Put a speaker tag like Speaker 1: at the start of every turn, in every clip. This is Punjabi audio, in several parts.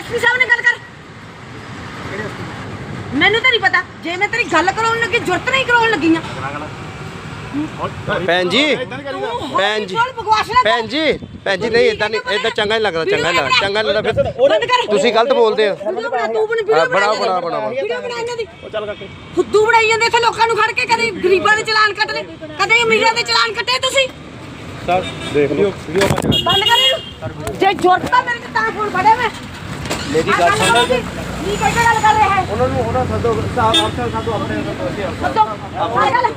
Speaker 1: एसपी साहब ने गल कर मैनू तो नहीं पता जे मैं तेरी गल कराउण लगी जुरत नहीं कराउण लगी
Speaker 2: भैन जी भैन जी भैन जी भैन जी नहीं इदा नहीं इदा चंगा नहीं लगता चंगा नहीं लगता चंगा नहीं लगता फिर तुसी गलत बोलते हो बनाओ बनाओ बनाओ
Speaker 1: फुद्दू बनाई जांदे इत्थे लोकां नूं खड़ के कदे गरीबां दे चलान कट ले कदे अमीरां दे चलान कटे तुसी
Speaker 2: सर देख लो वीडियो
Speaker 1: बंद कर इहनूं जे जुरत आ मेरे ते तां फोन फड़े मैं
Speaker 2: मेरी गल सुनो
Speaker 1: की कैसे गल कर रहे हैं
Speaker 2: उन्होंने सदो अफसर साडो अपने
Speaker 1: गल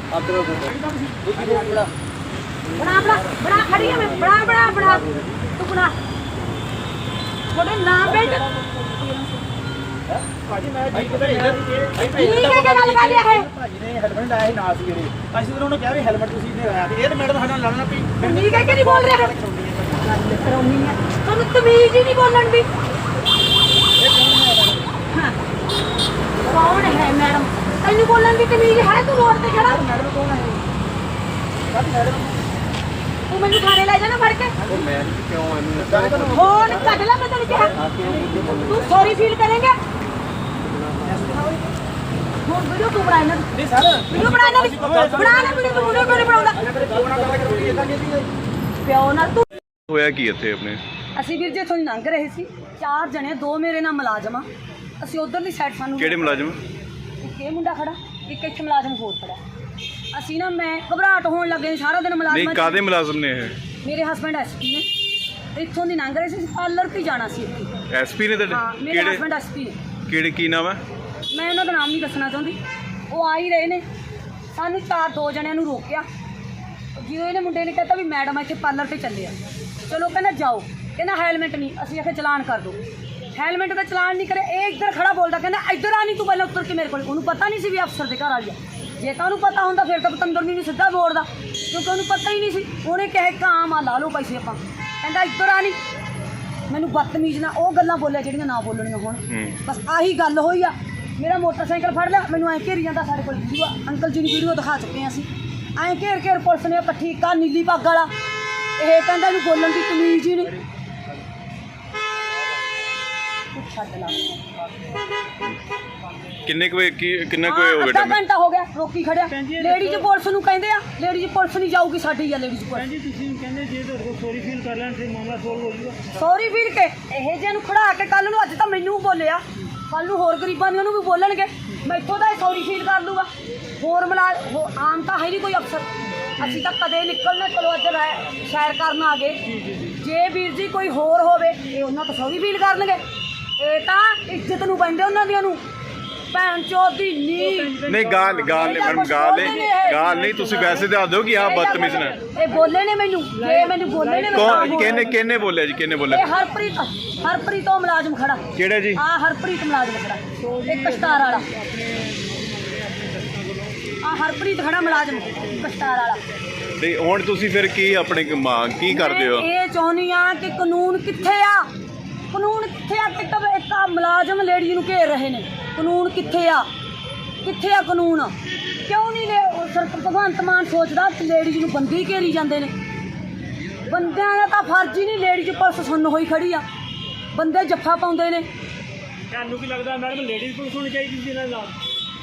Speaker 1: बना बना बना खड़ी है मैं बना बना बना तू बना थोड़े नाम बेट
Speaker 3: ਭਾਜੀ ਮੈਂ ਜੀ ਕਿਤੇ
Speaker 1: ठीक है क्या गल कर रहे हैं
Speaker 3: ਭਾਜੀ ਨੇ ਹੈਲਮਟ ਲਾਇਆ ਸੀ ਨਾਲ ਸਵੇਰੇ ਅਸੀਂ ਤਾਂ ਉਹਨੂੰ ਕਿਹਾ ਵੀ ਹੈਲਮਟ ਤੁਸੀਂ ਨਹੀਂ ਲਾਇਆ ਤੇ ਇਹ ਤਾਂ ਮੈਡਮ ਸਾਡੇ ਨਾਲ ਲੜਨਾ ਪਈ
Speaker 1: ठीक है कि नहीं बोल रहे हैं कराउनी है तुम तमीज ही नहीं बोलन दी हां कौन है मैडम तैनू बोलन दी तमीज है तू रोड पे खड़ा
Speaker 3: ਮੈਡਮ ਕੌਣ ਹੈ ਮੈਡਮ
Speaker 1: तू मैनू थाने ले जाना फड़ के
Speaker 2: ਉਹ ਮੈਂ ਕਿਉਂ ਇਹਨੂੰ
Speaker 1: फोन कट ला मैं तेन कहा तू सॉरी फील करेंगे फोन वीडियो तू बना ना
Speaker 3: ਨਹੀਂ ਸਰ
Speaker 1: वीडियो बना ना वीडियो तू वीडियो क्यों नहीं बनाਉਂਦਾ
Speaker 3: ਕੌਣ ਆ ਗੱਲ ਕਰਦੀ ਇਦਾਂ ਨਹੀਂ
Speaker 1: ਪਿਓ ਨਾਲ ਤੂੰ
Speaker 4: ਹੋਇਆ ਕੀ ਇੱਥੇ ਆਪਣੇ
Speaker 1: ਅਸੀਂ ਵੀਰ ਜੀ ਇੱਥੋਂ ਲੰਘ ਰਹੇ ਸੀ 4 ਜਣੇ 2 ਮੇਰੇ ਨਾਲ ਮੁਲਾਜ਼ਮ ਆ ਅਸੀਂ ਉਧਰਲੀ ਸਾਈਡ ਸਾਨੂੰ
Speaker 4: ਕਿਹੜੇ ਮੁਲਾਜ਼ਮ
Speaker 1: ਇੱਕ ਇਹ ਮੁੰਡਾ ਖੜਾ ਇੱਕ ਇੱਥੇ ਮੁਲਾਜ਼ਮ ਹੋਰ ਖੜਾ ਅਸੀਂ ਨਾ ਮੈਂ ਘਬਰਾਹਟ ਹੋਣ ਲੱਗੇ ਸਾਰਾ ਦਿਨ
Speaker 4: ਨਹੀਂ
Speaker 1: ਮੁਲਾਜ਼ਮ
Speaker 4: ਕਾਦੇ ਮੁਲਾਜ਼ਮ ਨੇ ਇਹ
Speaker 1: ਮੇਰੇ ਹਸਬੰਡ ਐਸਪੀ ਨੇ ਇੱਥੋਂ ਦੀ ਲੰਘ ਰਹੇ ਸੀ ਪਾਰਲਰ ਤੇ ਜਾਣਾ ਸੀ ਇੱਥੇ
Speaker 4: ਐਸਪੀ ਨੇ
Speaker 1: ਹਾਂ
Speaker 4: ਤੁਹਾਡੇ
Speaker 1: ਮੇਰੇ
Speaker 4: ਕਿਹੜੇ
Speaker 1: ਹਸਬੰਡ ਐਸਪੀ ਨੇ
Speaker 4: ਕਿਹੜੇ ਕੀ ਨਾਮ ਹੈ
Speaker 1: ਮੈਂ ਉਹਨਾਂ ਦਾ ਨਾਮ ਨਹੀਂ ਦੱਸਣਾ ਚਾਹੁੰਦੀ ਉਹ ਆ ਹੀ ਰਹੇ ਨੇ ਸਾਨੂੰ 2 ਜਣਿਆਂ ਨੂੰ ਰੋਕਿਆ ਜਦੋਂ ਇਹਨੇ ਮੁੰਡੇ ਨੇ ਕਹਿਤਾ ਵੀ ਮੈਡਮ ਇੱਥੇ ਪਾਰਲਰ ਤੇ ਚੱਲੇ ਆ ਚਲੋ ਕਹਿੰਦਾ ਜਾਓ ਕਹਿੰਦਾ ਹੈਲਮਟ ਨਹੀਂ ਅਸੀਂ ਆਖਿਆ ਚਲਾਨ ਕਰ ਦਿਓ ਹੈਲਮਟ ਦਾ ਚਲਾਨ ਨਹੀਂ ਕਰਿਆ ਇਹ ਇੱਧਰ ਖੜਾ ਬੋਲਦਾ ਕਹਿੰਦਾ ਇੱਧਰ ਆ ਨਹੀਂ ਤੂੰ ਪਹਿਲਾਂ ਉੱਤਰ ਕੇ ਮੇਰੇ ਕੋਲ ਉਹਨੂੰ ਪਤਾ ਨਹੀਂ ਸੀ ਵੀ ਅਫਸਰ ਦੇ ਘਰ ਵਾਲੀ ਆ ਜੇ ਤਾਂ ਉਹਨੂੰ ਪਤਾ ਹੁੰਦਾ ਫਿਰ ਤਾਂ ਪਤੰਦਰ ਨੂੰ ਸਿੱਧਾ ਬੋਲਦਾ ਕਿਉਂਕਿ ਉਹਨੂੰ ਪਤਾ ਹੀ ਨਹੀਂ ਸੀ ਉਹਨੇ ਕਿਹਾ ਕਾਮ ਆ ਲਾ ਲਓ ਪੈਸੇ ਆਪਾਂ ਕਹਿੰਦਾ ਇੱਧਰ ਆ ਨਹੀਂ ਮੈਨੂੰ ਬਦਤਮੀਜ਼ ਨਾ ਉਹ ਗੱਲਾਂ ਬੋਲਿਆ ਜਿਹੜੀਆਂ ਨਾ ਬੋਲਣੀਆਂ ਹੁਣ ਬਸ ਆਹੀ ਗੱਲ ਹੋਈ ਆ ਮੇਰਾ ਮੋਟਰਸਾਈਕਲ ਫੜ ਲਿਆ ਮੈਨੂੰ ਐਂ ਘੇਰੀ ਜਾਂਦਾ ਸਾਡੇ ਕੋਲ ਵੀਡੀਓ ਅੰਕਲ ਜੀ ਨੂੰ ਵੀਡੀਓ ਦਿਖਾ ਚੁੱਕੇ ਹਾਂ ਅਸੀਂ ਐਂ ਘੇਰ ਪੁਲਿਸ ਨੇ ਇਕੱਠੀ ਕਾ ਨੀਲੀ ਪੱਗ ਵਾਲਾ ਇਹ ਕਹਿੰਦਾ ਇਹਨੂੰ ਬੋਲਣ ਦੀ ਤਮੀਜ਼ ਹੀ ਨਹੀਂ ਛੱਡ ਲਾ
Speaker 4: ਕਿੰਨੇ ਕੁ ਕਿੰਨਾ ਕੁ ਹੋ ਗਿਆ
Speaker 1: ਅੱਧਾ
Speaker 4: ਟਾਈਮ
Speaker 1: ਘੰਟਾ ਹੋ ਗਿਆ ਰੋਕੀ ਖੜਿਆ ਲੇਡੀਜ਼ ਪੁਲਿਸ ਨੂੰ ਕਹਿੰਦੇ ਆ ਲੇਡੀਜ਼ ਪੁਲਿਸ ਨਹੀਂ ਜਾਊਗੀ ਸਾਡੀ ਆ ਲੇਡੀਜ਼ ਪੁਲਿਸ
Speaker 3: ਜੀ ਤੁਸੀਂ ਕਹਿੰਦੇ ਜੇ ਤੁਹਾਡੇ ਕੋਲ ਸੌਰੀ ਫੀਲ ਕਰ ਲੈਣ ਤੇ ਮਾਮਲਾ ਸੋਲਵ ਹੋ ਜਾਊਗਾ
Speaker 1: ਸੌਰੀ ਵੀਰ ਕੇ ਇਹ ਜਿਹੇ ਨੂੰ ਖੜਾ ਕੇ ਕੱਲ ਨੂੰ ਅੱਜ ਤਾਂ ਮੈਨੂੰ ਬੋਲਿਆ ਕੱਲ ਨੂੰ ਹੋਰ ਗਰੀਬਾਂ ਨੂੰ ਵੀ ਬੋਲਣਗੇ ਮੈਥੋਂ ਤਾਂ ਇਹ ਸੌਰੀ ਫੀਲ ਕਰ ਲੂਗਾ ਹੋਰ ਆਮ ਤਾਂ ਹੈ ਨਹੀਂ ਕੋਈ ਅਫਸਰ ਅਸੀਂ ਤਾਂ ਕਦੇ ਨਿਕਲਣਾ ਚਲੋ ਅੱਜ ਸੈਰ ਕਰਨ ਆ ਗਏ ਜੇ ਵੀਰ ਜੀ ਕੋਈ ਹੋਰ ਹੋਵੇ ਇਹ ਉਹਨਾਂ ਤੋਂ ਸੌਰੀ ਫੀਲ ਕਰਨਗੇ ਇਹ ਤਾਂ ਇੱਜ਼ਤ ਨੂੰ ਪੈਂਦੇ ਉਹਨਾਂ ਦੀਆਂ ਨੂੰ ਭੈਣ ਚੋਦੀ
Speaker 4: ਨਹੀਂ ਗਾਲ ਨਹੀਂ ਮੈਡਮ ਗਾਲ ਨਹੀਂ ਤੁਸੀਂ ਵੈਸੇ ਦੱਸ ਦਿਓ ਕਿ ਆਹ ਬਦਤਮੀਜ਼ ਨੇ
Speaker 1: ਇਹ ਬੋਲੇ ਨੇ ਮੈਨੂੰ ਜੇ ਮੈਨੂੰ ਬੋਲੇ ਨੇ
Speaker 4: ਕੌਣ ਕਿਹਨੇ ਬੋਲਿਆ ਜੀ ਕਿਹਨੇ ਬੋਲਿਆ
Speaker 1: ਇਹ ਹਰਪ੍ਰੀਤ ਉਹ ਮੁਲਾਜ਼ਮ ਖੜਾ
Speaker 4: ਕਿਹੜਾ ਜੀ
Speaker 1: ਆ ਹਰਪ੍ਰੀਤ ਮੁਲਾਜ਼ਮ ਖੜਾ ਇੱਕ ਕਸ਼ਤਾਰ ਵਾਲਾ ਆ ਹਰਪ੍ਰੀਤ ਖੜਾ ਮੁਲਾਜ਼ਮ ਕਸ਼ਤਾਰ ਵਾਲਾ
Speaker 4: ਤੇ ਹੁਣ ਤੁਸੀਂ ਫਿਰ ਕੀ ਆਪਣੇ ਮੰਗ ਕੀ ਕਰਦੇ ਹੋ
Speaker 1: ਇਹ ਚਾਹੁੰਦੀ ਆ ਕਿ ਕਾਨੂੰਨ ਕਿੱਥੇ ਆ ਕਾਨੂੰਨ ਕਿੱਥੇ ਆ ਇੱਕ ਮੁਲਾਜ਼ਮ ਲੇਡੀ ਨੂੰ ਘੇਰ ਰਹੇ ਨੇ ਕਾਨੂੰਨ ਕਿੱਥੇ ਆ ਕਾਨੂੰਨ ਕਿਉਂ ਨਹੀਂ ਭਗਵੰਤ ਮਾਨ ਸੋਚਦਾ ਕਿ ਲੇਡੀਜ਼ ਨੂੰ ਬੰਦੀ ਘੇਰੀ ਜਾਂਦੇ ਨੇ ਬੰਦਿਆਂ ਦਾ ਤਾਂ ਫਰਜ਼ ਹੀ ਨਹੀਂ ਲੇਡੀਜ਼ ਪੁਲਿਸ ਸੁੰਨ ਹੋਈ ਖੜੀ ਆ ਬੰਦੇ ਜੱਫਾ ਪਾਉਂਦੇ ਨੇ
Speaker 3: ਤੁਹਾਨੂੰ ਕੀ ਲੱਗਦਾ ਮੈਡਮ ਲੇਡੀਜ਼ ਪੁਲਿਸ ਹੋਣੀ ਚਾਹੀਦੀ ਸੀ ਇਹਨਾਂ ਨਾਲ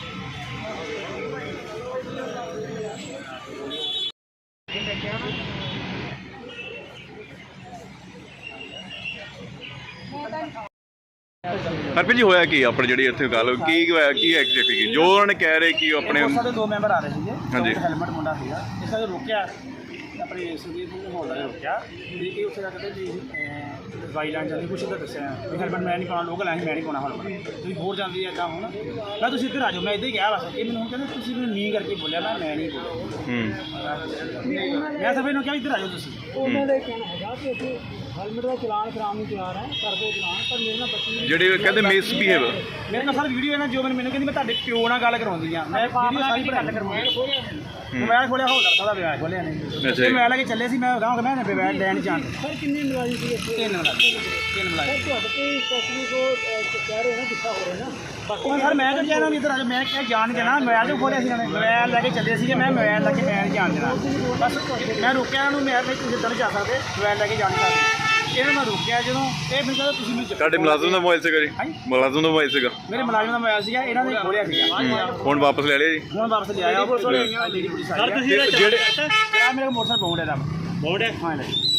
Speaker 4: ਹਰਪ੍ਰੀਤ ਜੀ ਹੋਇਆ ਕੀ ਆਪਣੇ ਜਿਹੜੀ ਇੱਥੇ ਗੱਲ ਕੀ ਹੋਇਆ ਕੀ ਐਗਜ਼ੈਕਟਲੀ ਜੋ ਉਹਨਾਂ ਨੇ ਕਹਿ ਰਹੇ ਕਿ ਆਪਣੇ
Speaker 3: ਸਾਡੇ 2 ਮੈਂਬਰ ਆ ਰਹੇ ਸੀਗੇ
Speaker 4: ਹਾਂਜੀ
Speaker 3: ਹੈਲਮਟ ਮੁੰਡਾ ਸੀਗਾ ਇਸ ਕਰਕੇ ਰੋਕਿਆ ਆਪਣੇ ਸੁਦੀਪ ਸਿੰਘ ਹੋਲਡਰ ਨੇ ਰੋਕਿਆ ਤੇ ਇਹ ਉੱਥੇ ਜਾ ਕੇ ਜੀ ਦਵਾਈ ਲੈਣ ਜਾਂਦੀ ਕੁਛ ਤਾਂ ਦੱਸਿਆ ਵੀ ਹੈਲਮਟ ਮੈਂ ਨਹੀਂ ਪਾਉਣਾ ਲੋਕਲ ਮੈਂ ਨਹੀਂ ਪਾਉਣਾ ਹੈਲਮਟ ਤੁਸੀਂ ਹੋਰ ਜਾਂਦੀ ਇੱਦਾਂ ਹੁਣ ਮੈਂ ਤੁਸੀਂ ਇੱਧਰ ਆ ਜਾਓ ਮੈਂ ਇੱਦਾਂ ਹੀ ਕਿਹਾ ਬਸ ਇਹ ਮੈਨੂੰ ਹੁਣ ਕਹਿੰਦੇ ਤੁਸੀਂ ਮੈਨੂੰ ਨੀ ਕਰਕੇ ਬੋਲਿਆ ਮੈਂ ਨਹੀਂ ਬੋਲਿਆ ਮੈਂ ਸਭ ਨੂੰ ਕਿਹਾ ਇੱਧਰ ਆ ਜਾਓ ਤੁਸੀਂ ਉਹਨਾਂ ਦਾ ਕਹਿਣਾ ਹੈਗਾ ਕਿ ਅਸੀਂ ਹੈਲਮਟ ਦਾ ਚਲਾਨ ਕਰਾਉਣ ਨੂੰ ਤਿਆਰ ਹੈ ਕਰਦੇ ਚਲਾਨ ਪਰ ਮੇਰੇ ਨਾਲ ਬੱਚੀ
Speaker 4: ਜਿਹੜੇ ਕਹਿੰਦੇ ਮਿਸਬੀਹੇਵ
Speaker 3: ਮੇਰੇ ਨਾਲ ਸਰ ਵੀਡੀਓ ਇਹਨਾਂ ਜੋ ਮੈਨੂੰ ਕਹਿੰਦੀ ਮੈਂ ਤੁਹਾਡੇ ਪਿਓ ਨਾਲ ਗੱਲ ਕਰਾਉਂਦੀ ਆ ਮੈਂ ਵੀਡੀਓ ਸਾਰੀ ਗੱਲ ਕਰਵਾਉਂਦੀ ਮੋਬਾਈਲ ਖੋਲਿਆ ਹੋ ਸਕਦਾ ਉਹਦਾ ਵਿਆਹ ਖੋਲਿਆ ਨਹੀਂ
Speaker 4: ਅੱਛਾ
Speaker 3: ਮੈਂ ਲੈ ਕੇ ਚੱਲੇ ਸੀ ਮੈਂ ਕਹਾਂਗਾ ਮੈਂ ਮੋਬਾਈਲ ਲੈਣ ਜਾਣ ਸਰ ਕਿੰਨੇ ਮੁਲਾਜ਼ਮ ਸੀ 3 ਮੁਲਾਜ਼ਮ ਤੁਹਾਡੇ ਤੇ ਸਪੈਸ਼ਲੀ ਕੋ ਕਹਿ ਰਹੇ ਨਾ ਕਿੱਥਾ ਹੋ ਰਿਹਾ ਨਾ ਉਹ ਸਰ ਮੈਂ ਤਾਂ ਕਹਿਣਾ ਨਹੀਂ ਇੱਧਰ ਆ ਜਾ ਮੈਂ ਕਿਹਾ ਜਾਣ ਦੇਣਾ ਮੋਬਾਈਲ ਜੋ ਖੋਲਿਆ ਸੀ ਇਹਨਾਂ ਨੇ ਮੋਬਾਈਲ ਲੈ ਕੇ ਚੱਲੇ ਸੀਗੇ ਮੈਂ ਮੋਬਾਈਲ ਲੈ ਕੇ ਮੈਂ ਜਾਣ ਦੇਣਾ ਬਸ ਮੈਂ ਰੋਕਿਆ ਉਹਨੂੰ ਮੈਂ ਤੁਸੀਂ ਇੱਦਾਂ ਨਹੀਂ ਜਾ ਸਕਦੇ ਮੋਬਾਈਲ ਲੈ ਕੇ ਜਾਣ ਸਕਦੇ ਇਹਨਾਂ ਮੈਂ ਰੋਕਿਆ ਜਦੋਂ ਇਹ ਮੈਨੂੰ ਕਹਿੰਦਾ ਤੁਸੀਂ ਮੈਨੂੰ
Speaker 4: ਤੁਹਾਡੇ ਮੁਲਾਜ਼ਮ ਦਾ ਮੋਬਾਈਲ ਸੀਗਾ ਜੀ? ਮੁਲਾਜ਼ਮ ਦਾ ਮੋਬਾਈਲ ਸੀਗਾ?
Speaker 3: ਮੇਰੇ ਮੁਲਾਜ਼ਮ ਦਾ ਮੋਬਾਈਲ ਸੀਗਾ, ਇਹਨਾਂ ਨੇ ਖੋਲਿਆ ਸੀਗਾ।
Speaker 4: ਹੁਣ ਵਾਪਸ ਲੈ ਲਿਆ ਜੀ?
Speaker 3: ਹੁਣ ਵਾਪਸ ਲਿਆਇਆ ਪੁਲਿਸ ਵਾਲੇ ਲੇਡੀ ਪੁਲਿਸ ਆਈ ਆ।
Speaker 4: ਜਿਹੜੇ
Speaker 3: ਆ ਮੇਰੇ ਮੋਟਰਸਾਈਕਲ ਬੌਂਡ ਹੈ ਦਾ ਬੌਂਡ ਹੈ ਹਾਂ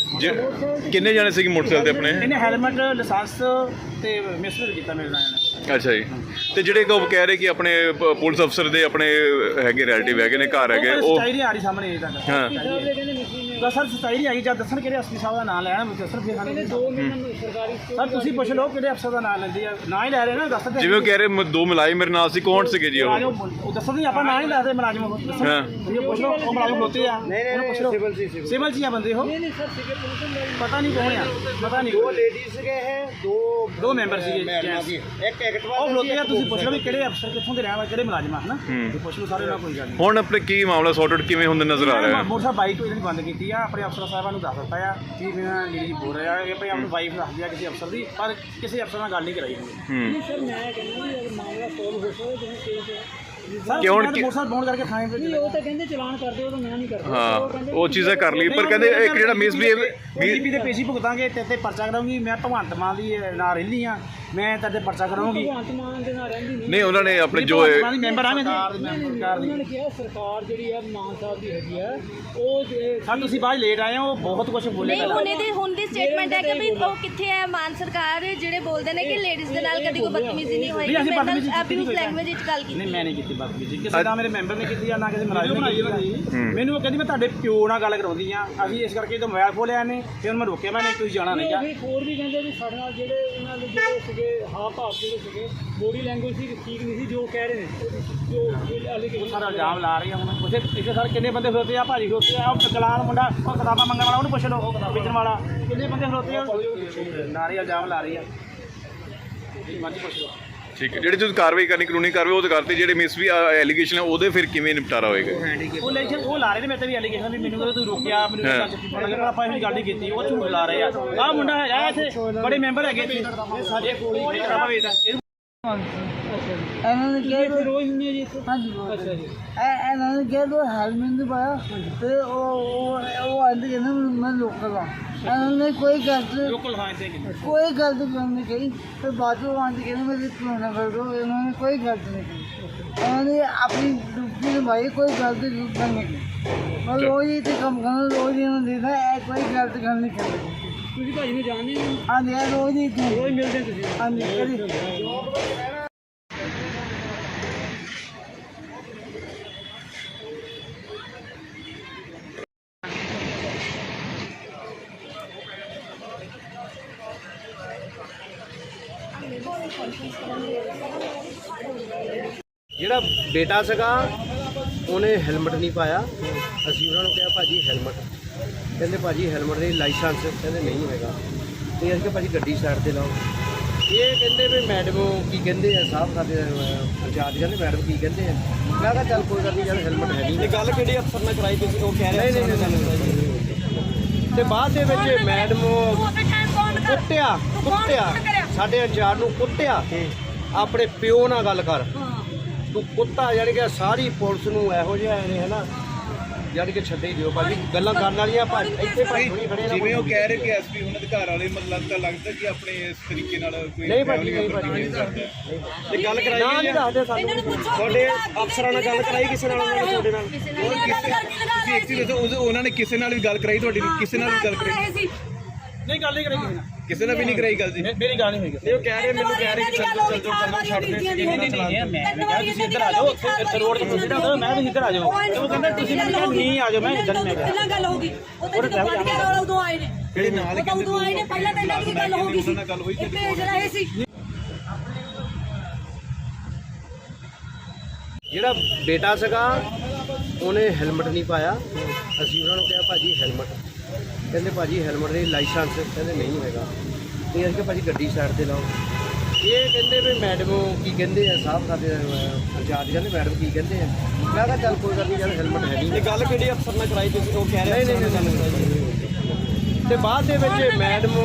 Speaker 4: ਕਿੰਨੇ ਜਾਣੇ ਸੀਗੇ ਮੋਟਰਸਾਈਕਲ ਤੇ ਆਪਣੇ?
Speaker 3: ਇਹਨੇ ਹੈਲਮਟ ਲਾਇਸੈਂਸ ਤੇ ਮਿਸਟਰ ਕੀਤਾ ਮੇਰੇ ਨਾਲ ਇਹਨੇ।
Speaker 4: ਅੱਛਾ ਜੀ। ਤੇ ਜਿਹੜੇ ਕੋ ਕਹਿ ਰਹੇ ਕਿ ਆਪਣੇ ਪੁਲਿਸ ਅਫਸਰ ਦੇ ਆਪਣੇ ਹੈਗੇ ਰਿਲੇਟਿਵ ਹੈਗੇ ਨੇ, ਘਰ ਹੈਗੇ, ਉਹ
Speaker 3: ਸਚਾਈ ਨਹੀਂ ਆ ਰਹੀ ਸਾਹਮਣੇ ਇਹ ਤਾਂ
Speaker 4: ਹਾਂ
Speaker 3: ਸਰ ਸਚਾਈ ਨਹੀਂ ਆਈ। ਜਦ ਦੱਸਣ ਕਿਹੜੇ ਐਸਪੀ ਸਾਹਿਬ ਦਾ ਨਾਮ ਲੈਣਾ ਦੱਸਣ ਫਿਰ ਸਾਨੂੰ ਸਰ ਤੁਸੀਂ ਪੁੱਛ ਲਓ ਕਿਹੜੇ ਅਫਸਰ ਦਾ ਨਾਮ ਲੈਂਦੇ ਆ, ਨਾ ਹੀ ਲੈ ਰਹੇ ਨਾ ਦੱਸ ਦੇ।
Speaker 4: ਜਿਵੇਂ ਉਹ ਕਹਿ ਰਹੇ ਦੋ ਮੁਲਾਜ਼ਮ ਮੇਰੇ ਨਾਲ ਸੀ, ਕੌਣ ਸੀਗੇ ਜੀ ਉਹ?
Speaker 3: ਉਹ ਦੱਸਣ ਨਹੀਂ ਆਪਾਂ ਨਾ ਹੀ ਦੱਸਦੇ ਮੁਲਾਜ਼ਮ ਉਹ ਦੱਸਣ।
Speaker 4: ਹਾਂ।
Speaker 3: ਤੁਸੀਂ ਪੁੱਛ ਲਓ ਉਹ ਮੁਲਾਜ਼ਮ ਖਲੋਤੇ ਆ, ਉਹਨੂੰ ਪੁੱਛ ਲਓ ਸਿਵਲ ਚ ਆ ਬੰਦੇ ਉਹ ਪਤਾ ਨਹੀਂ ਕੌਣ ਆ, ਪਤਾ ਨਹੀਂ।
Speaker 2: ਦੋ ਲੇਡੀਜ਼ ਸੀਗੇ ਇਹ,
Speaker 3: ਦੋ ਮੈਂਬਰ ਸੀਗੇ
Speaker 2: ਇੱਕ ਐਕਟਿਵਾ
Speaker 3: ਉਹ ਖਲੋਤੇ ਆ। ਤੁਸੀਂ ਪੁੱਛ ਲਓ ਵੀ ਕਿਹੜੇ ਅਫਸਰ ਕਿੱਥੋਂ ਦੇ ਰਹਿਣ ਵਾਲੇ, ਕਿਹੜੇ ਮੁਲਾਜ਼ਮ ਆ ਹਨਾ। ਤੁਸੀਂ ਪੁੱਛ ਲਓ ਸਾਰੇ ਨਾਲ, ਕੋਈ ਗੱਲ ਨਹੀਂ।
Speaker 4: ਹੁਣ ਆਪਣੇ ਕੀ ਮਾਮਲਾ ਸੌਰਟ ਆਊਟ ਕਿਵੇਂ ਹੁੰਦੇ ਨਜ਼ਰ ਆ ਰਿਹਾ ਹੈ?
Speaker 3: ਮੋਟਰਸਾਈਕਲ ਬਾਈਕ ਤੋਂ ਇਹਨਾਂ ਨੇ ਬੰਦ ਕੀਤੀ ਆ, ਆਪਣੇ ਅਫਸਰ ਸਾਹਿਬਾਂ ਨੂੰ ਦੱਸ ਦਿੱਤਾ ਆ ਕਿ ਮੇਰਾ ਲੇਡੀ ਬੋਲ ਰਿਹਾ ਇਹ ਭਾਈ ਆਪਣੀ ਵਾਈਫ ਦੱਸਦੀ ਆ ਕਿਸੇ ਅਫਸਰ ਦੀ, ਪਰ ਕਿਸੇ ਅਫਸਰ ਨਾਲ ਗੱਲ ਨਹੀਂ ਕਰਾਈ ਹੁੰਦੀ।
Speaker 1: ਸਰ ਮੈਂ ਕਹਿੰਦਾ ਵੀ ਮਾਮਲਾ ਸੋਲਵ ਹੋ ਸਕਦਾ ਜਿਵੇਂ ਕੇਸ
Speaker 3: ਸਰ
Speaker 4: ਕਿਉਂ
Speaker 3: ਮੋਟਰਸਾਈਕਲ ਬੌਂਡ ਕਰਕੇ ਥਾਣੇ ਤੇ
Speaker 1: ਉਹ ਤਾਂ ਕਹਿੰਦੇ ਚਲਾਨ ਕਰਦੇ ਉਹ ਤਾਂ ਮੈਂ ਨਹੀਂ ਕਰਦਾ।
Speaker 4: ਹਾਂ ਉਹ ਚੀਜ਼ਾਂ ਕਰ ਲਈ, ਪਰ ਕਹਿੰਦੇ ਇੱਕ ਜਿਹੜਾ
Speaker 3: ਬੀਜੇਪੀ ਦੇ ਪੇਸ਼ੀ ਭੁਗਤਾਂਗੇ ਤੇ ਪਰਚਾ ਕਰਾਉਂਗੀ। ਮੈਂ ਭਗਵੰਤ ਮਾਨ ਦੀ ਨਾਲ ਰਹਿੰਦੀ ਆ, ਮੈਂ ਤੇ ਪਰਚਾ ਕਰਾਉਂਗੀ।
Speaker 1: ਭਗਵੰਤ ਮਾਨ ਦੇ ਨਾਲ ਰਹਿੰਦੀ ਨਹੀਂ।
Speaker 4: ਨਹੀਂ ਉਹਨਾਂ ਨੇ ਆਪਣੇ ਜੋ
Speaker 3: ਮੈਂਬਰ ਆ ਮੈਂ ਸਰਕਾਰ ਦੀ।
Speaker 1: ਉਹਨਾਂ ਨੇ ਕਿਹਾ ਸਰਕਾਰ ਜਿਹੜੀ ਆ ਮਾਨ ਸਾਹਿਬ ਦੀ ਹੈਗੀ ਆ ਉਹ
Speaker 3: ਸਰ ਤੁਸੀਂ ਬਾਅਦ ਲੇਟ ਆਏ ਹੋ, ਬਹੁਤ ਕੁਝ ਬੋਲੇ।
Speaker 5: ਨਹੀਂ ਹੁਣ ਦੀ ਸਟੇਟਮੈਂਟ ਹੈ ਕਿ ਵੀ ਉਹ ਕਿੱਥੇ ਹੈ ਮਾਨ ਸਰਕਾਰ ਜਿਹੜੇ ਬੋਲਦੇ ਨੇ ਕਿ ਲੇਡੀਜ਼ ਦੇ ਨਾਲ ਕਦੀ ਕੋਈ ਬਦਤਮੀਜ਼ੀ ਨਹੀਂ ਹੋਈ। ਅਬਿਊਜ਼ ਲੈਂਗੁਏਜ ਵਿੱਚ ਗੱਲ ਕੀਤੀ।
Speaker 3: ਨਹੀਂ ਮੈਂ ਨਹੀਂ ਕੀਤੀ ਬਦਤਮੀਜ਼ੀ, ਕਿਸੇ ਦਾ ਮੇਰੇ ਮੈਂਬਰ ਨੇ ਕੀਤੀ ਆ ਨਾ ਕਿਸੇ ਮੁਲਾਜ਼ਮ ਨੇ ਕੀਤੀ। ਮੈਨੂੰ ਉਹ ਕਹਿੰਦੀ ਮੈਂ ਤੁਹਾਡੇ ਪਿਓ ਨਾਲ ਗੱਲ ਕਰਾਉਂਦੀ ਆ, ਅਸੀਂ ਇਸ ਕਰਕੇ ਜਦੋਂ ਮੋਬਾਈਲ ਖੋਲਿਆ ਇਹਨੇ ਫਿਰ ਉਹਨੂੰ ਮੈਂ ਰੋਕਿਆ, ਮੈਂ ਨਹੀਂ ਤੁਸੀਂ ਜਾਣਾ ਨਹੀਂ।
Speaker 1: ਹੋਰ ਵੀ ਕਹਿੰਦੇ ਵੀ ਸਾਡੇ ਨਾਲ ਜਿਹੜੇ ਉਹਨਾਂ ਦੇ ਜਿਹੜੇ ਸੀਗੇ ਹਾਵ ਭਾਵ ਜਿਹੜੇ ਸੀਗੇ ਬੋਡੀ ਲੈਂਗੁਏਜ ਸੀ ਠੀਕ ਨਹੀਂ ਸੀ ਜੋ ਕਹਿ ਰਹੇ ਨੇ, ਜੋ ਅਲੀਗੇਸ਼ਨ
Speaker 3: ਸਾਰਾ ਇਲਜ਼ਾਮ ਲਾ ਰਹੀ ਆ। ਹੁਣ ਉੱਥੇ ਇੱਥੇ ਸਰ ਕਿੰਨੇ ਬੰਦੇ ਖਲੋਤੇ ਆ, ਭਾਜੀ ਖਲੋਤੇ ਆ, ਉਹ ਕਲਾਨ ਮੁੰਡਾ ਉਹ ਕਿਤਾਬਾਂ ਮੰਗਣ ਵਾਲਾ ਉਹਨੂੰ ਪੁੱਛ ਲਓ, ਵੇਚਣ ਵਾਲਾ ਕਿੰਨੇ ਬੰਦੇ ਖਲੋਤੇ ਆ, ਨਾਰੇ ਇਲਜ਼ਾਮ ਲਾ ਰਹੀ ਆ। ਮਰਜ਼ੀ ਪੁੱਛ ਲਓ।
Speaker 4: ਠੀਕ ਹੈ, ਜਿਹੜੀ ਤੁਸੀਂ ਕਾਰਵਾਈ ਕਰਨੀ ਕਾਨੂੰਨੀ ਕਾਰਵਾਈ ਉਹ ਤਾਂ ਕਰਤੀ, ਜਿਹੜੇ ਮਿਸ ਵੀ ਐਲੀਗੇਸ਼ਨ ਹੈ ਉਹਦੇ ਫਿਰ ਕਿਵੇਂ ਨਿਪਟਾਰਾ ਹੋਏਗਾ?
Speaker 3: ਉਹ ਲਾ ਰਹੇ ਨੇ ਮੇਰੇ ਤੇ ਵੀ ਐਲੀਗੇਸ਼ਨ ਵੀ ਮੈਨੂੰ ਕਹਿੰਦੇ ਤੂੰ ਰੋਕਿਆ, ਮੈਨੂੰ ਲੱਗਦਾ ਆਪਾਂ ਇਹ ਗੱਲ ਨਹੀਂ ਕੀਤੀ, ਉਹ ਝੂਠ ਲਾ ਰਹੇ ਆ। ਆਹ ਮੁੰਡਾ ਹੈਗਾ ਇੱਥੇ, ਬੜੇ ਮੈਂਬਰ ਹੈਗੇ ਇੱਥੇ ਸਾਡੇ ਕੋਲ ਕਿਤਾਬਾਂ ਵੇਚਦਾ।
Speaker 1: ਇਹਨਾਂ ਨੇ ਕਿਹਾ ਰੋਜ਼ ਹੁੰਦੀ ਹੈ ਜੀ ਇੱਥੇ। ਹਾਂਜੀ ਅੱਛਾ ਜੀ। ਇਹਨਾਂ ਨੇ ਕਿਹਾ ਤੂੰ ਹੈਲਮਟ ਨਹੀਂ ਪਾਇਆ ਤੇ ਉਹ ਆਂਦੇ ਕਹਿੰਦੇ ਮੈਂ ਲੋਕਲ ਆ। ਇਹਨਾਂ ਨੇ ਕੋਈ ਗੱਲ
Speaker 3: ਲੋਕਲ ਹਾਂ ਇੱਥੇ
Speaker 1: ਕੋਈ ਗੱਲ ਨਹੀਂ ਕਹੀ ਤੇ ਬਾਅਦ ਚੋਂ ਆਂਦੇ ਕਹਿੰਦੇ ਮੇਰੇ ਕੋਲੋਂ ਕਰ ਦੋ। ਇਹਨਾਂ ਨੇ ਕੋਈ ਗੱਲ ਨਹੀਂ ਕਹੀ, ਇਹਨਾਂ ਨੇ ਆਪਣੀ ਡਿਊਟੀ ਨਿਭਾਈ, ਕੋਈ ਗੱਲ ਦੀ ਜ਼ਰੂਰਤ ਨਹੀਂ ਕੀਤੀ। ਮੈਂ ਰੋਜ਼ ਹੀ ਇੱਥੇ ਕੰਮ ਕਰਨਾ, ਰੋਜ਼ ਇਹਨਾਂ ਨੂੰ ਦੇਖਦਾ ਕੋਈ ਗਲਤ ਗੱਲ ਨਹੀਂ ਕਰਦਾ। ਤੁਸੀਂ ਭਾਜੀ ਨੂੰ ਜਾਣਦੇ ਹੋ? ਹਾਂਜੀ ਰੋਜ਼ ਹੀ ਰੋਜ਼ ਮਿਲਦੇ ਤੁਸੀਂ? ਹਾਂਜੀ ਕਦੀ
Speaker 2: ਜਿਹੜਾ ਬੇਟਾ ਸੀਗਾ ਉਹਨੇ ਹੈਲਮਟ ਨਹੀਂ ਪਾਇਆ। ਅਸੀਂ ਉਹਨਾਂ ਨੂੰ ਕਿਹਾ ਭਾਜੀ ਹੈਲਮਟ, ਕਹਿੰਦੇ ਭਾਜੀ ਹੈਲਮਟ ਦੇ ਲਾਇਸੈਂਸ, ਕਹਿੰਦੇ ਨਹੀਂ ਹੈਗਾ। ਤੇ ਅਸੀਂ ਕਿਹਾ ਭਾਜੀ ਗੱਡੀ ਸਾਈਡ ਤੇ ਲਾਓ। ਇਹ ਕਹਿੰਦੇ ਵੀ ਮੈਡਮ ਕੀ ਕਹਿੰਦੇ ਆ, ਸਾਹਿਬ ਸਾਡੇ ਇੰਚਾਰਜ ਕਹਿੰਦੇ ਮੈਡਮ ਕੀ ਕਹਿੰਦੇ ਆ। ਮੈਂ ਕਿਹਾ ਚੱਲ ਕੋਈ ਗੱਲ ਨਹੀਂ ਯਾਰ ਹੈਲਮਟ ਹੈ ਨਹੀਂ।
Speaker 3: ਗੱਲ ਕਿਹੜੀ ਅਫਸਰ ਨਾਲ ਕਰਾਈ ਤੁਸੀਂ? ਉਹ ਕਹਿ ਰਹੇ
Speaker 2: ਤੇ ਬਾਅਦ ਦੇ ਵਿੱਚ ਮੈਡਮ ਕੁੱਟਿਆ ਸਾਡੇ ਇੰਚਾਰਜ ਨੂੰ ਕੁੱਟਿਆ। ਆਪਣੇ ਪਿਓ ਨਾਲ ਗੱਲ ਕਰ, ਤੂੰ ਕੁੱਤਾ। ਜਾਣੀ ਕਿ ਸਾਰੀ ਪੁਲਿਸ ਨੂੰ ਇਹੋ ਜਿਹਾ ਨੇ ਹੈ ਨਾ, ਜਾਣੀ ਕਿ ਛੱਡੇ ਹੀ ਦਿਓ ਭਾਜੀ, ਗੱਲਾਂ ਕਰਨ ਵਾਲੀਆਂ ਭਾਜੀ ਇੱਥੇ ਭਾਜੀ ਨਹੀਂ ਖੜੇ।
Speaker 4: ਜਿਵੇਂ ਉਹ ਕਹਿ ਰਹੇ ਕਿ ਐਸਪੀ ਉਹਨਾਂ ਦੇ ਘਰ ਵਾਲੇ ਮਤਲਬ ਤਾਂ ਲੱਗਦਾ ਕਿ ਆਪਣੇ ਇਸ ਤਰੀਕੇ ਨਾਲ ਕੋਈ
Speaker 2: ਨਹੀਂ ਭਾਜੀ ਨਹੀਂ ਭਾਜੀ
Speaker 3: ਇਹ ਗੱਲ ਕਰਾਈ
Speaker 2: ਨਾ ਨਹੀਂ ਦੱਸਦੇ ਸਾਨੂੰ।
Speaker 3: ਤੁਹਾਡੇ ਅਫਸਰਾਂ ਨਾਲ ਗੱਲ ਕਰਾਈ ਕਿਸੇ ਨਾਲ? ਉਹਨਾਂ ਨੇ ਤੁਹਾਡੇ ਨਾਲ
Speaker 4: ਤੁਸੀਂ ਇੱਕ ਚੀਜ਼ ਦੱਸੋ, ਉਹਨਾਂ ਨੇ ਕਿਸੇ ਨਾਲ ਵੀ ਗੱਲ ਕਰਾਈ ਤੁਹਾਡੀ? ਕਿਸੇ ਨਾਲ ਵੀ ਗੱਲ ਕਰਾਈ?
Speaker 3: ਨਹੀਂ ਗੱਲ ਨਹੀਂ ਕਰਾਈ
Speaker 4: ਕਿਸੇ ਨਾਲ ਵੀ ਨਹੀਂ ਕਰਾਈ ਗੱਲ ਜੀ?
Speaker 3: ਮੇਰੀ ਗੱਲ ਨਹੀਂ ਹੋਈ। ਉਹ ਕਹਿ ਰਹੇ ਮੈਨੂੰ ਕਹਿ ਰਹੇ ਕਿ ਚੱਲ ਜਾਓ ਛੱਡ ਦੇ। ਮੈਂ ਕਿਹਾ ਤੁਸੀਂ ਇੱਧਰ ਆ ਜਾਓ, ਉੱਥੇ ਰੋਡ ਤੇ ਪੁੱਛਦਾ ਹੁੰਦਾ ਮੈਂ ਵੀ ਇੱਧਰ ਆ ਜਾਓ। ਉਹ ਕਹਿੰਦਾ ਤੁਸੀਂ ਨਹੀਂ ਆ ਜਾਓ, ਮੈਂ ਇੱਧਰ ਮੈਂ ਕਿਹਾ
Speaker 6: ਪਹਿਲਾਂ ਗੱਲ ਹੋ ਗਈ, ਉਹ ਤਾਂ ਜਦੋਂ ਵੱਧ ਗਿਆ ਉਦੋਂ ਆਏ ਨੇ,
Speaker 4: ਜਿਹੜੇ ਨਾਲ
Speaker 6: ਉਦੋਂ ਆਏ ਨੇ। ਪਹਿਲਾਂ ਤਾਂ ਇਹਨਾਂ ਦੀ ਗੱਲ ਹੋ ਗਈ ਸੀ, ਇੱਕ ਜਿਹੜਾ ਇਹ ਸੀ।
Speaker 2: ਜਿਹੜਾ ਬੇਟਾ ਸੀਗਾ ਉਹਨੇ ਹੈਲਮਟ ਨਹੀਂ ਪਾਇਆ। ਅਸੀਂ ਉਹਨਾਂ ਨੂੰ ਕਿਹਾ ਭਾਜੀ ਹੈਲਮਟ, ਕਹਿੰਦੇ ਭਾਜੀ ਹੈਲਮਟ ਦੇ ਲਾਇਸੈਂਸ, ਕਹਿੰਦੇ ਨਹੀਂ ਹੈਗਾ। ਤੇ ਅਸੀਂ ਕਿਹਾ ਭਾਜੀ ਗੱਡੀ ਸਾਈਡ ਤੇ ਲਾਓ। ਇਹ ਕਹਿੰਦੇ ਵੀ ਮੈਡਮ ਕੀ ਕਹਿੰਦੇ ਆ, ਸਾਹਿਬ ਸਾਡੇ ਇੰਚਾਰਜ ਕਹਿੰਦੇ ਮੈਡਮ ਕੀ ਕਹਿੰਦੇ ਆ। ਮੈਂ ਕਿਹਾ ਚੱਲ ਕੋਈ ਗੱਲ ਨਹੀਂ ਯਾਰ ਹੈਲਮਟ ਹੈ ਨਹੀਂ।
Speaker 3: ਗੱਲ ਕਿਹੜੀ ਅਫਸਰ ਨਾਲ ਕਰਾਈ ਤੁਸੀਂ? ਉਹ ਕਹਿ ਰਹੇ
Speaker 2: ਨਹੀਂ। ਤੇ ਬਾਅਦ ਦੇ ਵਿੱਚ ਮੈਡਮ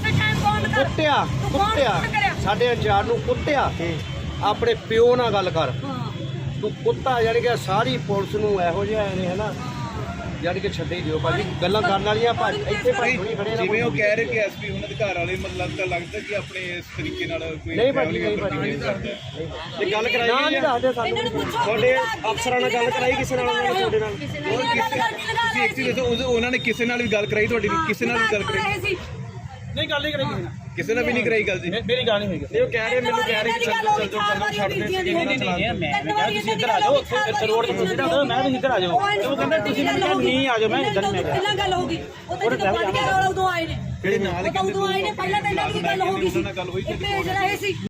Speaker 2: ਕੁੱਟਿਆ ਸਾਡੇ ਇੰਚਾਰਜ ਨੂੰ ਕੁੱਟਿਆ। ਆਪਣੇ ਪਿਓ ਨਾਲ ਗੱਲ ਕਰ, ਤੂੰ ਕੁੱਤਾ। ਜਾਣੀ ਕਿ ਸਾਰੀ ਪੁਲਿਸ ਨੂੰ ਇਹੋ ਜਿਹਾ ਨੇ ਹੈ ਨਾ, ਜਾਣੀ ਕਿ ਛੱਡੇ ਹੀ ਦਿਓ ਭਾਜੀ, ਗੱਲਾਂ ਕਰਨ ਵਾਲੀਆਂ ਭਾਜੀ ਇੱਥੇ ਭਾਜੀ ਥੋੜ੍ਹੀ ਖੜੇ ਨਾ
Speaker 4: ਜਿਵੇਂ ਉਹ ਕਹਿ ਰਹੇ ਕਿ ਐਸਪੀ ਉਹਨਾਂ ਦੇ ਘਰ ਵਾਲੇ ਮਤਲਬ ਤਾਂ ਲੱਗਦਾ ਕਿ ਆਪਣੇ ਇਸ ਤਰੀਕੇ ਨਾਲ ਕੋਈ
Speaker 2: ਨਹੀਂ ਭਾਜੀ, ਨਹੀਂ
Speaker 4: family
Speaker 2: ਭਾਜੀ,
Speaker 4: member ਕਰਦੇ।
Speaker 2: ਇਹ ਗੱਲ ਕਰਾਈ
Speaker 1: ਨਾ ਨਹੀਂ ਦੱਸਦੇ
Speaker 6: ਇਹਨਾਂ ਨੂੰ
Speaker 1: ਸਾਨੂੰ
Speaker 6: ਪੁੱਛੋ
Speaker 2: ਤੁਹਾਡੇ ਅਫਸਰਾਂ ਨਾਲ ਗੱਲ ਕਰਾਈ ਕਿਸੇ ਨਾਲ ਉਹਨਾਂ ਨੇ ਤੁਹਾਡੇ ਨਾਲ
Speaker 4: ਹੋਰ ਤੁਸੀਂ ਇੱਕ ਚੀਜ਼ ਦੱਸੋ ਉਹਨਾਂ ਨੇ ਕਿਸੇ ਨਾਲ ਵੀ ਗੱਲ ਕਰਾਈ ਤੁਹਾਡੀ ਕਿਸੇ ਨਾਲ ਵੀ ਗੱਲ ਕਰਾਈ
Speaker 6: ਸੀ
Speaker 3: ਨਹੀਂ ਗੱਲ ਨਹੀਂ ਕਰਾਂਗੇ
Speaker 4: ਕਿਸੇ ਨਾਲ ਵੀ ਨਹੀਂ ਕਰਾਈ ਗੱਲ ਜੀ
Speaker 3: ਮੇਰੀ ਗੱਲ ਨਹੀਂ ਹੋਈ
Speaker 2: ਨਹੀਂ ਉਹ ਕਹਿ ਰਹੇ ਮੈਨੂੰ ਕਹਿ ਰਹੇ ਕਿ ਚੱਲ ਜਾਓ ਛੱਡ ਦੇ
Speaker 3: ਨਹੀਂ ਮੈਂ ਕਿਹਾ ਤੁਸੀਂ ਇੱਧਰ ਆ ਜਾਓ ਉੱਥੇ ਰੋਡ ਤੇ ਸਿੱਧਾ ਆਓ ਮੈਂ ਵੀ ਇੱਧਰ ਆ ਜਾਓ ਉਹ ਕਹਿੰਦਾ ਤੁਸੀਂ ਮੈਨੂੰ ਕਿਹਾ ਨਹੀਂ ਆ ਜਾਓ ਮੈਂ ਇੱਧਰ ਨਹੀਂ ਮੈਂ ਕਿਹਾ
Speaker 6: ਪਹਿਲਾਂ ਗੱਲ ਹੋ ਗਈ ਉਹ ਤਾਂ ਜਦੋਂ ਪੜ ਗਿਆ ਉਦੋਂ ਆਏ ਨੇ
Speaker 4: ਜਿਹੜੇ ਨਾਲ
Speaker 6: ਉਦੋਂ ਆਏ ਨੇ ਪਹਿਲਾਂ ਤਾਂ ਇਹਨਾਂ ਦੀ ਗੱਲ ਹੋ ਗਈ ਸੀ
Speaker 4: ਨਾਲ ਗੱਲ ਹੋਈ
Speaker 6: ਇਹ ਭੇਜ ਰਹੇ ਸੀ